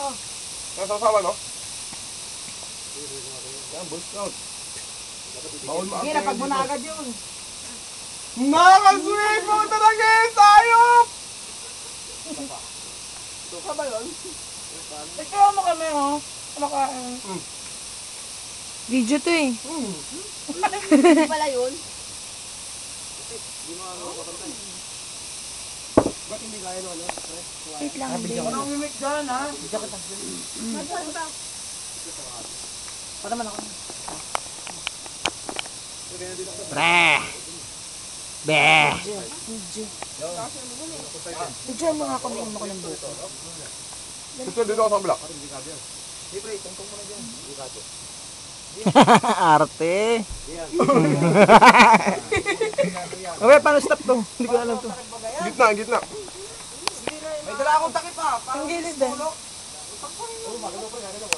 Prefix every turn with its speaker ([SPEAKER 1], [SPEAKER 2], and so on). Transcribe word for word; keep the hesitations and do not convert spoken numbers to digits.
[SPEAKER 1] Yan, sasawa, no? Yan, boy scout. Bawal mo
[SPEAKER 2] Sige, napag mo na agad yun.
[SPEAKER 1] Nakakasweet mo talaga eh! Sayop!
[SPEAKER 2] Ito ka ba yun? Ikaw mo kami, oh. Kumakain.
[SPEAKER 1] Mm.
[SPEAKER 3] Video to eh.
[SPEAKER 1] Mm.
[SPEAKER 2] Hindi pala yun.
[SPEAKER 1] Ba't hindi kaya no, ano?
[SPEAKER 3] Wait lang, Ade.
[SPEAKER 2] Ano ang mimik dyan, ha?
[SPEAKER 3] Para man ako.
[SPEAKER 4] Pre! Be!
[SPEAKER 3] Video mo nga kami mo ko ng buko.
[SPEAKER 1] Ito, dito ako sa kabila.
[SPEAKER 4] Arte! Okay, paano stop to? Hindi ko alam to.
[SPEAKER 1] Gitna, gitna.
[SPEAKER 2] May dala akong takip, ha?
[SPEAKER 3] Ang gilid eh.